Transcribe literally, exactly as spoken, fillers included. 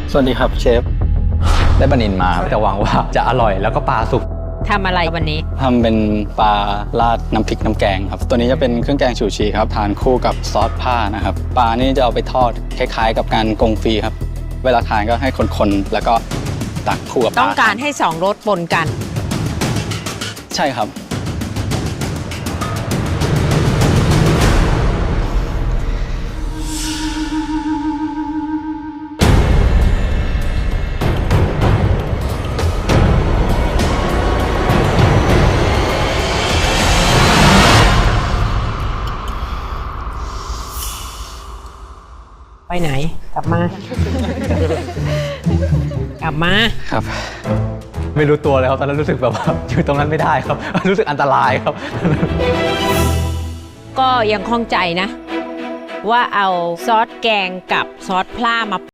สวัสดีครับเชฟได้ปลานิลมาแต่หวังว่าจะอร่อยแล้วก็ปลาสุกทำอะไรวันนี้ทำเป็นปลาราดน้ำพริกน้ำแกงครับตัวนี้จะเป็นเครื่องแกงฉูชีครับทานคู่กับซอสผ้านะครับปลานี่จะเอาไปทอดคล้ายๆกับการกงฟรีครับเวลาทานก็ให้คนๆแล้วก็ตักคู่กับปลาต้องการให้สองรสปนกันใช่ครับไปไหนกลับมา กลับมาครับไม่รู้ตัวเลยครับตอนนั้นรู้สึกแบบว่าอยู่ตรงนั้นไม่ได้ครับรู้สึกอันตรายครับก็ยังคล่องใจนะว่าเอาซอสแกงกับซอสพร่ามา